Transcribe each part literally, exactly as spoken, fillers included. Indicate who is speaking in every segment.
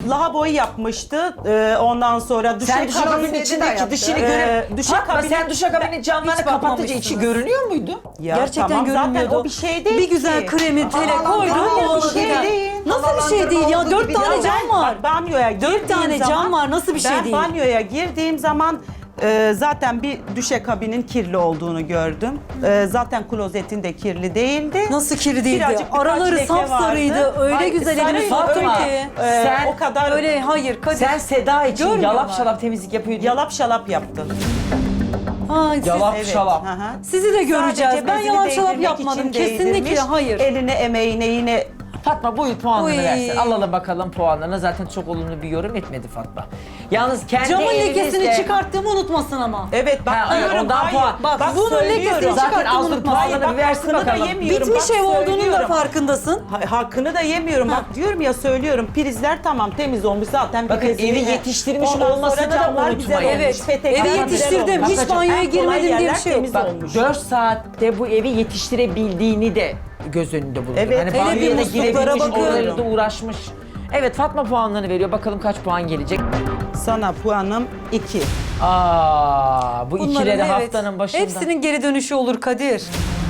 Speaker 1: lavaboyu yapmıştı. Ee, ondan sonra
Speaker 2: Sen
Speaker 1: duşakabini
Speaker 2: duşakabinin
Speaker 1: de
Speaker 2: içindeki
Speaker 1: yaptı.
Speaker 2: dışını
Speaker 1: Ee,
Speaker 2: göre... Fatma
Speaker 1: duşakabini-
Speaker 2: sen duşakabinin camlarını
Speaker 3: Hiç
Speaker 2: kapatınca içi
Speaker 3: bakmamışsınız.
Speaker 2: görünüyor muydu?
Speaker 1: Ya
Speaker 3: Gerçekten
Speaker 1: tamam,
Speaker 3: görünmüyordu.
Speaker 1: Zaten o bir şey değil
Speaker 3: Bir güzel
Speaker 1: ki.
Speaker 3: kremi tele
Speaker 2: Aa,
Speaker 3: koydum.
Speaker 1: hayır,
Speaker 3: ovaladı
Speaker 1: bir şey
Speaker 3: ya.
Speaker 1: değil.
Speaker 3: Nasıl bir şey değil ya?
Speaker 2: olduğu
Speaker 3: Dört
Speaker 2: gibi
Speaker 3: tane
Speaker 2: değil.
Speaker 3: cam var.
Speaker 1: Bak, banyoya girdiğim
Speaker 3: Dört tane
Speaker 1: zaman,
Speaker 3: cam var. Nasıl bir şey
Speaker 1: ben
Speaker 3: değil?
Speaker 1: banyoya girdiğim zaman e, zaten bir duşakabinin kirli olduğunu gördüm. E, zaten klozetin de kirli değildi.
Speaker 3: Nasıl kirli değildi?
Speaker 1: Birazcık birkaç
Speaker 3: Araları
Speaker 1: leke
Speaker 3: sapsarıydı.
Speaker 1: vardı.
Speaker 3: Öyle
Speaker 1: Hayır,
Speaker 3: güzel elini
Speaker 1: sarıydı,
Speaker 3: soktun
Speaker 1: öyle.
Speaker 3: ki.
Speaker 1: E,
Speaker 2: Sen
Speaker 1: o kadar
Speaker 3: Öyle hayır Kadir.
Speaker 2: Sen Seda için
Speaker 3: Görmüyorlar.
Speaker 2: yalap şalap temizlik yapıyordun.
Speaker 1: yalap şalap yaptın.
Speaker 3: Ha, siz-
Speaker 2: Yalap
Speaker 1: Evet,
Speaker 2: şalap.
Speaker 1: hı hı.
Speaker 3: Sizi de göreceğiz.
Speaker 1: Sadece
Speaker 3: Ben
Speaker 1: bezini
Speaker 3: yalan şalap
Speaker 1: değdirmek
Speaker 3: yapmadım.
Speaker 1: için
Speaker 3: Kesinlikle
Speaker 1: değdirmiş.
Speaker 3: hayır.
Speaker 1: Eline emeğine yine
Speaker 2: Fatma buyur puanını
Speaker 3: Uy.
Speaker 2: versin. Alalım bakalım puanlarını. Zaten çok olumlu bir yorum etmedi Fatma. Yalnız kendi
Speaker 3: Camın
Speaker 2: elinizle-
Speaker 3: lekesini çıkarttığımı unutmasın ama.
Speaker 1: evet bak
Speaker 2: Ha,
Speaker 1: diyorum
Speaker 2: ondan
Speaker 1: hayır.
Speaker 2: puan.
Speaker 3: Bak, bunun
Speaker 1: söylüyorum.
Speaker 3: lekesini
Speaker 2: Zaten
Speaker 3: çıkarttığımı
Speaker 2: az dur
Speaker 3: unutmasın.
Speaker 2: puanını bir versin
Speaker 1: hakkını da
Speaker 2: bakalım.
Speaker 1: yemiyorum.
Speaker 3: Bitmiş
Speaker 1: Bak,
Speaker 3: ev olduğunun da
Speaker 1: söylüyorum.
Speaker 3: farkındasın.
Speaker 1: Ha- Hakkını da yemiyorum. Bak diyorum ya söylüyorum. Prizler tamam temiz olmuş zaten.
Speaker 2: Bakın,
Speaker 1: prizini-
Speaker 2: evi yetiştirmiş
Speaker 1: Ondan sonra
Speaker 2: olmasını da
Speaker 1: camlar
Speaker 2: unutmayın.
Speaker 1: güzel olmuş,
Speaker 3: Evet,
Speaker 1: petekler
Speaker 3: evi
Speaker 1: güzel
Speaker 3: yetiştirdim.
Speaker 1: olmuş.
Speaker 3: Hiç banyoya
Speaker 1: En kolay
Speaker 3: girmedim diye bir
Speaker 1: yerler
Speaker 3: şey yok.
Speaker 1: temiz
Speaker 2: Bak
Speaker 1: olmuş.
Speaker 2: dört saatte bu evi yetiştirebildiğini de göz önünde bulundur.
Speaker 1: Evet,
Speaker 2: hani
Speaker 1: hele
Speaker 2: banyoya
Speaker 3: bir
Speaker 2: da
Speaker 3: musluklara
Speaker 2: girebilmiş,
Speaker 3: bakıyorum.
Speaker 2: oraları da uğraşmış. Evet Fatma puanlarını veriyor. Bakalım kaç puan gelecek.
Speaker 1: Sana puanım iki.
Speaker 2: Aa, bu
Speaker 3: Bunların,
Speaker 2: ikileri
Speaker 3: evet,
Speaker 2: haftanın başında.
Speaker 3: Hepsinin geri dönüşü olur Kadir.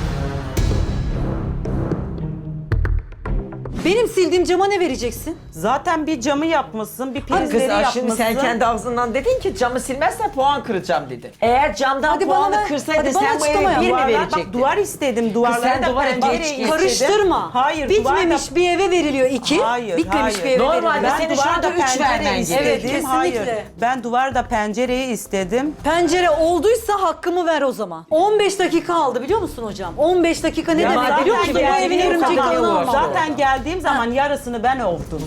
Speaker 3: Benim sildiğim cama ne vereceksin?
Speaker 1: Zaten bir camı yapmışsın, bir
Speaker 2: Kız
Speaker 1: prizleri
Speaker 2: aa,
Speaker 1: yapmışsın.
Speaker 2: şimdi sen kendi ağzından dedin ki camı silmezsen puan kıracağım dedi. Eğer camdan
Speaker 3: Hadi bana
Speaker 2: puanı
Speaker 3: ver.
Speaker 2: kırsaydın
Speaker 3: Hadi bana
Speaker 2: sen bu eve
Speaker 3: açıklama yap.
Speaker 2: bir mi
Speaker 1: Duvarlar-
Speaker 2: verecektin?
Speaker 1: Bak duvar istedim, duvarlara
Speaker 2: sen
Speaker 1: da
Speaker 2: duvara
Speaker 1: pencere
Speaker 2: geç
Speaker 1: istedim.
Speaker 3: Karıştırma.
Speaker 1: Hayır,
Speaker 3: Bitmemiş
Speaker 1: duvar
Speaker 3: bir eve veriliyor iki.
Speaker 1: Hayır,
Speaker 3: Bitmemiş
Speaker 1: hayır.
Speaker 3: bir eve
Speaker 2: Normalde
Speaker 3: veriliyor.
Speaker 2: senin şu anda üç
Speaker 1: pencere
Speaker 2: vermen gerekiyor.
Speaker 1: istedim.
Speaker 3: Evet, kesinlikle.
Speaker 1: Hayır. Ben duvarda pencereyi istedim.
Speaker 3: Pencere olduysa hakkımı ver o zaman. on beş dakika aldı biliyor musun hocam? on beş dakika ne
Speaker 2: Ya
Speaker 3: demek
Speaker 2: zaten
Speaker 3: biliyor musun? Bu
Speaker 2: geldiğim
Speaker 3: evin
Speaker 2: zaman-
Speaker 3: örümceklerini
Speaker 2: Zaten-
Speaker 3: almam.
Speaker 1: Zaten geldiğim zaman yarısını ben ovdum.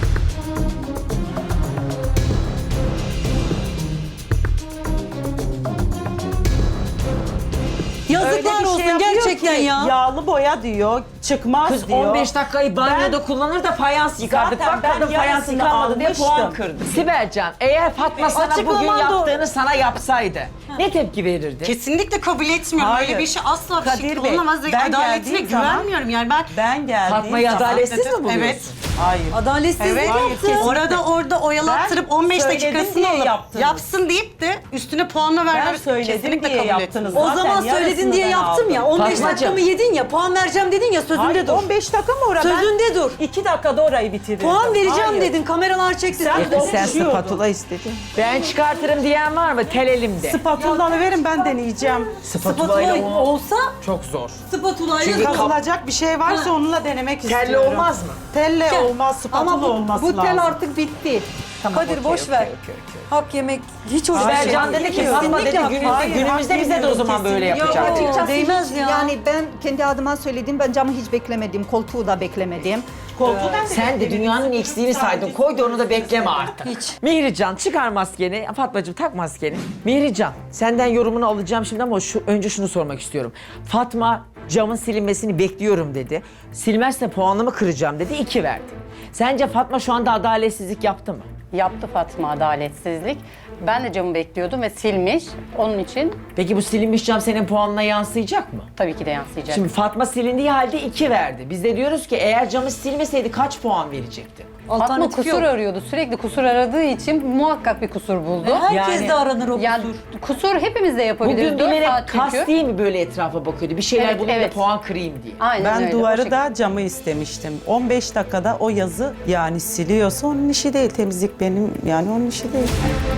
Speaker 3: Yazıklar
Speaker 1: Öyle bir şey
Speaker 3: olsun
Speaker 1: yapıyor
Speaker 3: gerçekten
Speaker 1: ki,
Speaker 3: ya.
Speaker 1: Yağlı boya diyor, çıkmaz
Speaker 2: Kız
Speaker 1: diyor.
Speaker 2: on beş dakikayı banyoda
Speaker 1: Ben-
Speaker 2: kullanır da fayans yıkardık.
Speaker 1: Zaten
Speaker 2: Bak
Speaker 1: ben
Speaker 2: kadın fayans
Speaker 1: yarısını
Speaker 2: yıkanmadı diye
Speaker 1: almıştım.
Speaker 2: puan kırdı. Sibelcan eğer Fatma sana bugün
Speaker 3: Açıklaman doğru.
Speaker 2: yaptığını sana yapsaydı ne tepki verirdi?
Speaker 4: Kesinlikle kabul etmiyorum.
Speaker 1: Hayır.
Speaker 4: Öyle bir şey asla bir
Speaker 1: Kadir
Speaker 4: şekilde
Speaker 1: Bey,
Speaker 4: olamaz.
Speaker 1: ben
Speaker 4: Adaletine
Speaker 1: geldiğim zaman-
Speaker 4: güvenmiyorum yani ben.
Speaker 1: Ben geldiğim
Speaker 2: Fatma'yı
Speaker 1: zaman...
Speaker 2: adaletsiz mi
Speaker 4: Evet.
Speaker 2: buluyorsun?
Speaker 1: Hayır.
Speaker 3: Adaletsizlik
Speaker 4: Evet.
Speaker 3: yaptı.
Speaker 1: kesin.
Speaker 4: Orada orada oyalattırıp
Speaker 1: Ben
Speaker 4: on beş
Speaker 1: söyledim
Speaker 4: dakikasını
Speaker 1: diye
Speaker 4: alıp
Speaker 1: yaptınız.
Speaker 4: yapsın deyip de üstüne puanla
Speaker 1: Ben
Speaker 4: vermemiz
Speaker 1: söyledim
Speaker 4: kesinlikle
Speaker 1: diye
Speaker 4: kabul
Speaker 1: yaptınız.
Speaker 4: etmiyorum.
Speaker 3: O
Speaker 1: Zaten
Speaker 3: zaman söyledin
Speaker 1: yarısını
Speaker 3: diye
Speaker 1: ben
Speaker 3: yaptım
Speaker 1: aldım.
Speaker 3: ya. on beş
Speaker 2: Fatmacığım.
Speaker 3: dakikamı yedin ya. Puan vereceğim dedin ya sözünde
Speaker 1: Hayır,
Speaker 3: dur.
Speaker 1: on beş dakika mı orada?
Speaker 3: Sözünde dur.
Speaker 1: İki dakikada orayı bitirdim.
Speaker 3: Puan vereceğim
Speaker 1: Hayır.
Speaker 3: dedin. Kameralar çekti.
Speaker 1: Sen
Speaker 3: Sen-
Speaker 2: sen
Speaker 1: konuşuyordun.
Speaker 2: spatula
Speaker 1: istedin.
Speaker 2: Ben çıkartırım diyen var mı? Tel elimde.
Speaker 1: Spatulanı verin ben deneyeceğim.
Speaker 3: Spatula
Speaker 2: ile o-
Speaker 3: olsa
Speaker 2: Çok zor.
Speaker 3: spatula
Speaker 2: Çünkü
Speaker 3: ile
Speaker 2: kap-
Speaker 1: Kazılacak bir şey varsa onunla denemek
Speaker 2: Telle
Speaker 1: istiyorum.
Speaker 2: olmaz mı?
Speaker 1: Telle
Speaker 3: Gel.
Speaker 1: olmaz, spatula
Speaker 3: Ama bu,
Speaker 1: olması
Speaker 3: bu tel
Speaker 1: lazım.
Speaker 3: artık bitti.
Speaker 2: Tamam,
Speaker 3: Kadir
Speaker 2: okey,
Speaker 3: boş
Speaker 2: okey,
Speaker 3: ver.
Speaker 2: okey, okey.
Speaker 3: Hak yemek hiç hoş bir
Speaker 1: Hayır,
Speaker 3: şey
Speaker 2: Sibelcan
Speaker 3: değil.
Speaker 2: dedi ki
Speaker 3: Kesinlikle
Speaker 2: Fatma dedi
Speaker 3: hak
Speaker 2: günümüzde,
Speaker 1: Hayır,
Speaker 2: günümüzde
Speaker 1: hak
Speaker 2: bize de o
Speaker 1: yemiyorum,
Speaker 2: zaman böyle
Speaker 1: kesinlikle.
Speaker 2: yapacak.
Speaker 3: Yok.
Speaker 5: Açıkçası
Speaker 3: Değmez
Speaker 5: hiç-
Speaker 3: ya.
Speaker 5: Yani ben kendi adıma söylediğim ben camı hiç beklemedim. Koltuğu da beklemedim.
Speaker 1: Koltuğu ben de
Speaker 2: Sen de
Speaker 1: bekledim.
Speaker 2: dünyanın eksiğini saydın. Koy da onu da bekleme artık.
Speaker 3: Hiç.
Speaker 2: Mihrican çıkar maskeni. Fatmacığım tak maskeni. Mihrican senden yorumunu alacağım şimdi ama şu, önce şunu sormak istiyorum. Fatma camın silinmesini bekliyorum dedi. Silmezse puanımı kıracağım dedi. iki verdi. Sence Fatma şu anda adaletsizlik yaptı mı?
Speaker 6: Yaptı Fatma adaletsizlik. Ben de camı bekliyordum ve silmiş. Onun için
Speaker 2: Peki bu silinmiş cam senin puanına yansıyacak mı?
Speaker 6: tabii ki de yansıyacak.
Speaker 2: Şimdi Fatma silindiği halde iki verdi. Biz de diyoruz ki eğer camı silmeseydi kaç puan verecekti?
Speaker 6: Fatma
Speaker 3: Alternatif
Speaker 6: kusur
Speaker 3: yok.
Speaker 6: arıyordu. Sürekli kusur aradığı için muhakkak bir kusur buldu.
Speaker 3: Herkes
Speaker 2: Yani-
Speaker 3: de aranır o
Speaker 6: Yani
Speaker 3: kusur.
Speaker 6: kusur hepimiz de yapabiliriz.
Speaker 2: Bugün
Speaker 6: dört
Speaker 2: bilerek
Speaker 6: saat çünkü.
Speaker 2: kasti mi böyle etrafa bakıyordu? Bir şeyler
Speaker 6: Evet,
Speaker 2: bulayım da
Speaker 6: evet.
Speaker 2: puan kırayım diye.
Speaker 6: Aynen
Speaker 1: Ben
Speaker 6: öyle, o
Speaker 1: duvarı
Speaker 6: şekilde.
Speaker 1: da camı istemiştim. on beş dakikada o yazı yani siliyorsa onun işi değil. Temizlik benim yani onun işi değil.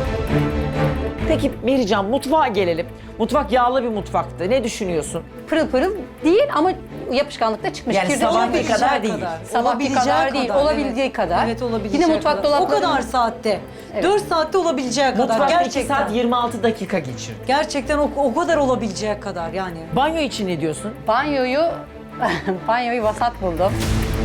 Speaker 2: Peki Mihrican mutfağa gelelim. Mutfak yağlı bir mutfaktı. Ne düşünüyorsun?
Speaker 6: Pırıl pırıl değil ama yapışkanlıkta çıkmış.
Speaker 2: Yani
Speaker 6: Kirli
Speaker 2: sabahki
Speaker 6: olabileceği
Speaker 2: kadar değil.
Speaker 6: Sabahki
Speaker 3: Olabileceği
Speaker 6: kadar değil, olabileceği kadar.
Speaker 3: Evet olabileceği
Speaker 6: Yine mutfak
Speaker 3: kadar. O
Speaker 6: dolapları...
Speaker 3: kadar saatte.
Speaker 6: Evet.
Speaker 3: dört saatte olabileceği kadar.
Speaker 2: Mutfakta iki
Speaker 3: Gerçekten.
Speaker 2: saat yirmi altı dakika geçirdi.
Speaker 3: Gerçekten o, o kadar olabileceği kadar yani.
Speaker 2: Banyo için ne diyorsun?
Speaker 6: Banyoyu, banyoyu vasat buldum.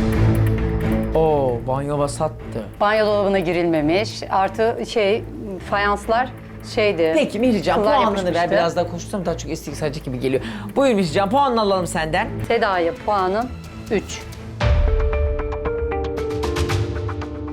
Speaker 2: Oo, banyo vasattı.
Speaker 6: Banyo dolabına girilmemiş. Artı şey, fayanslar şeydi.
Speaker 2: Peki Mihrican
Speaker 6: kıllar
Speaker 2: puanını ver.
Speaker 6: yapışmıştı.
Speaker 2: Biraz daha konuşsam daha çok eski sadece gibi geliyor. Buyur Mihrican puanını alalım senden.
Speaker 6: Seda'ya puanım üç.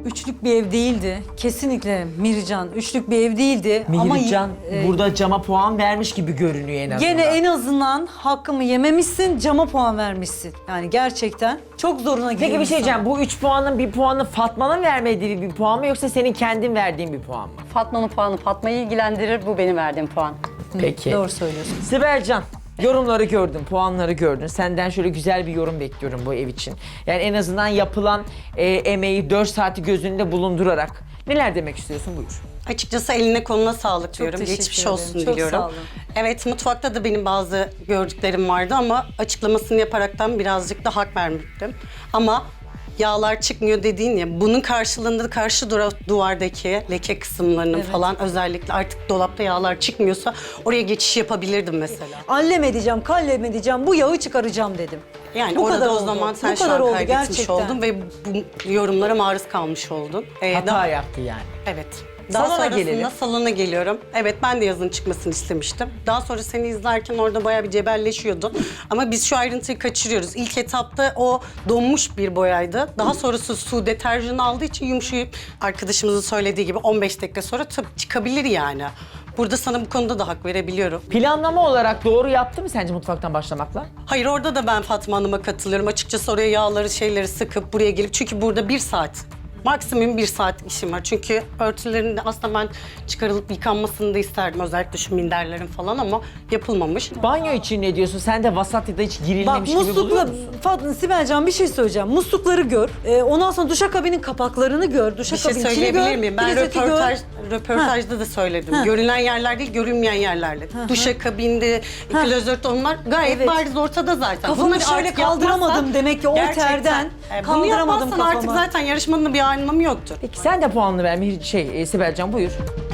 Speaker 3: üçlük bir ev değildi. Kesinlikle Mihrican üçlük bir ev değildi. Ama
Speaker 2: Mihrican
Speaker 3: e,
Speaker 2: burada cama puan vermiş gibi görünüyor en azından.
Speaker 3: gene en azından hakkımı yememişsin, cama puan vermişsin. Yani gerçekten çok zoruna gidiyor.
Speaker 2: Peki bir şey
Speaker 3: insan.
Speaker 2: diyeceğim. Bu üç puanın bir puanı Fatma'nın vermediği bir puan mı yoksa senin kendin verdiğin bir puan mı?
Speaker 6: Fatma'nın puanı Fatma'yı ilgilendirir, bu benim verdiğim puan.
Speaker 2: Peki.
Speaker 3: Doğru söylüyorsun.
Speaker 2: Sibelcan, yorumları gördün, puanları gördün. Senden şöyle güzel bir yorum bekliyorum bu ev için. Yani en azından yapılan e, emeği dört saati gözünde bulundurarak neler demek istiyorsun? Buyur.
Speaker 4: Açıkçası eline koluna sağlık diyorum.
Speaker 3: teşekkür
Speaker 4: Geçmiş
Speaker 3: ederim.
Speaker 4: olsun
Speaker 3: Çok
Speaker 4: diliyorum.
Speaker 3: sağ olun.
Speaker 4: Evet, mutfakta da benim bazı gördüklerim vardı ama açıklamasını yaparaktan birazcık da hak vermiştim. Ama yağlar çıkmıyor dediğin ya, bunun karşılığında karşı dura- duvardaki leke kısımlarının falan özellikle artık dolapta yağlar çıkmıyorsa oraya geçiş yapabilirdim mesela.
Speaker 3: Allem edeceğim, kallem edeceğim, bu yağı çıkaracağım dedim.
Speaker 4: Yani
Speaker 3: Bu
Speaker 4: orada
Speaker 3: kadar
Speaker 4: o
Speaker 3: oldu.
Speaker 4: zaman sen
Speaker 3: Bu
Speaker 4: şu
Speaker 3: kadar
Speaker 4: an
Speaker 3: oldu
Speaker 4: kaybetmiş
Speaker 3: gerçekten.
Speaker 4: oldun ve bu yorumlara maruz kalmış oldun. Ee,
Speaker 2: Hata
Speaker 4: daha-
Speaker 2: yaptı yani.
Speaker 4: Evet. Daha
Speaker 2: Salona
Speaker 4: sonrasında
Speaker 2: gelelim.
Speaker 4: salona geliyorum. Evet, ben de yazın çıkmasını istemiştim. Daha sonra seni izlerken orada bayağı bir cebelleşiyordun. Ama biz şu ayrıntıyı kaçırıyoruz. İlk etapta o donmuş bir boyaydı. Daha sonrası su deterjanı aldığı için yumuşayıp arkadaşımızın söylediği gibi on beş dakika sonra tabii çıkabilir yani. Burada sana bu konuda da hak verebiliyorum.
Speaker 2: Planlama olarak doğru yaptı mı sence mutfaktan başlamakla?
Speaker 4: Hayır, orada da ben Fatma Hanım'a katılıyorum. Açıkçası oraya yağları şeyleri sıkıp buraya gelip, çünkü burada bir saat maksimum bir saat işim var. Çünkü örtülerin de aslında ben çıkarılıp yıkanmasını da isterdim. Özellikle şu minderlerin falan, ama yapılmamış.
Speaker 2: Banyo için ne diyorsun? Sen de vasat ya da hiç
Speaker 3: Bak
Speaker 2: girilmemiş gibi buluyor
Speaker 3: muslukla,
Speaker 2: musun?
Speaker 3: Fatma, Sibelcan bir şey söyleyeceğim. Muslukları gör. Ee, ondan sonra duşakabinin kapaklarını gör.
Speaker 4: Bir
Speaker 3: Duşakabinin
Speaker 4: şey
Speaker 3: içini
Speaker 4: söyleyebilir
Speaker 3: gör.
Speaker 4: miyim? Ben
Speaker 3: klozeti
Speaker 4: röportaj,
Speaker 3: gör.
Speaker 4: röportajda da söyledim.
Speaker 3: Ha.
Speaker 4: Görünen yerler değil, görünmeyen yerlerle. Duşakabinde, klozet, onlar gayet
Speaker 3: Evet.
Speaker 4: bariz ortada zaten.
Speaker 3: Kafamı
Speaker 4: Bunları
Speaker 3: şöyle
Speaker 4: artık
Speaker 3: kaldıramadım
Speaker 4: yapmazsan-
Speaker 3: demek ki o
Speaker 4: Gerçekten.
Speaker 3: terden
Speaker 4: E, bunu
Speaker 3: kaldıramadım
Speaker 4: yapmazsan artık
Speaker 3: kafamı.
Speaker 4: zaten yarışmanın bir anlamı yoktur.
Speaker 2: Peki sen de puanını ver Mihri- şey e, Sibelcan buyur.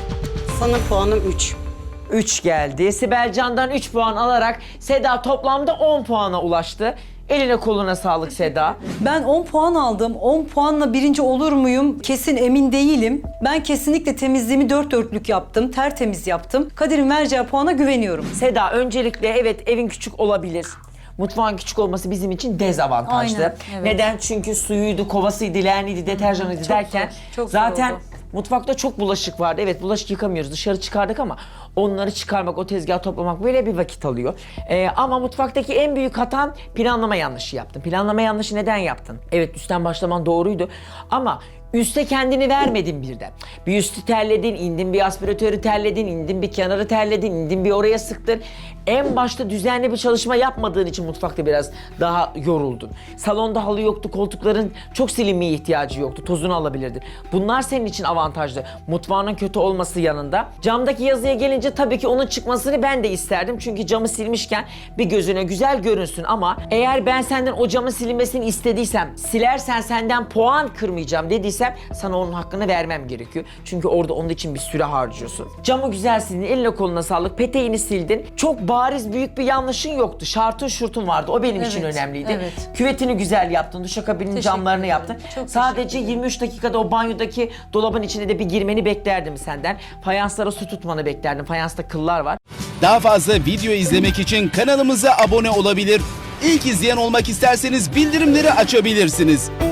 Speaker 4: Sana puanım üç.
Speaker 2: üç geldi. Sibelcan'dan üç puan alarak Seda toplamda on puana ulaştı. Eline koluna sağlık Seda.
Speaker 3: Ben on puan aldım. on puanla birinci olur muyum? Kesin emin değilim. Ben kesinlikle temizliğimi dört dörtlük yaptım. Tertemiz yaptım. Kadir'in vereceği puana güveniyorum.
Speaker 2: Seda öncelikle evet evin küçük olabilir. Mutfağın küçük olması bizim için dezavantajlı.
Speaker 3: Aynen, evet.
Speaker 2: Neden? Çünkü suyuydu, kovasıydı, leğeniydi, deterjanıydı derken
Speaker 3: zor, çok zor
Speaker 2: zaten
Speaker 3: oldu.
Speaker 2: mutfakta çok bulaşık vardı. Evet bulaşık yıkamıyoruz. Dışarı çıkardık ama onları çıkarmak, o tezgahı toplamak böyle bir vakit alıyor. Ee, ama mutfaktaki en büyük hatan planlama yanlışı yaptın. Planlama yanlışı neden yaptın? Evet üstten başlaman doğruydu ama üste kendini vermedin birden. Bir üstü terledin, indin bir aspiratörü terledin, indin bir kenarı terledin, indin bir oraya sıktın. En başta düzenli bir çalışma yapmadığın için mutfakta biraz daha yoruldun. Salonda halı yoktu, koltukların çok silinmeye ihtiyacı yoktu, tozunu alabilirdin. Bunlar senin için avantajlı. Mutfağının kötü olması yanında. Camdaki yazıya gelince tabii ki onun çıkmasını ben de isterdim. Çünkü camı silmişken bir gözüne güzel görünsün ama eğer ben senden o camın silinmesini istediysem, silersen senden puan kırmayacağım dediysem sana onun hakkını vermem gerekiyor. Çünkü orada onun için bir süre harcıyorsun. Camı güzel sildin, eline koluna sağlık, peteğini sildin. Çok bariz büyük bir yanlışın yoktu. Şartın şurtun vardı. O benim için
Speaker 3: Evet,
Speaker 2: önemliydi.
Speaker 3: evet.
Speaker 2: Küvetini güzel yaptın, duşakabinin
Speaker 3: Teşekkür
Speaker 2: camlarını
Speaker 3: ederim.
Speaker 2: yaptın.
Speaker 3: Çok
Speaker 2: Sadece
Speaker 3: teşekkür ederim.
Speaker 2: yirmi üç dakikada o banyodaki dolabın içine de bir girmeni beklerdim senden. Fayanslara su tutmanı beklerdim. Fayansta kıllar var.
Speaker 7: Daha fazla video izlemek için kanalımıza abone olabilir. İlk izleyen olmak isterseniz bildirimleri açabilirsiniz.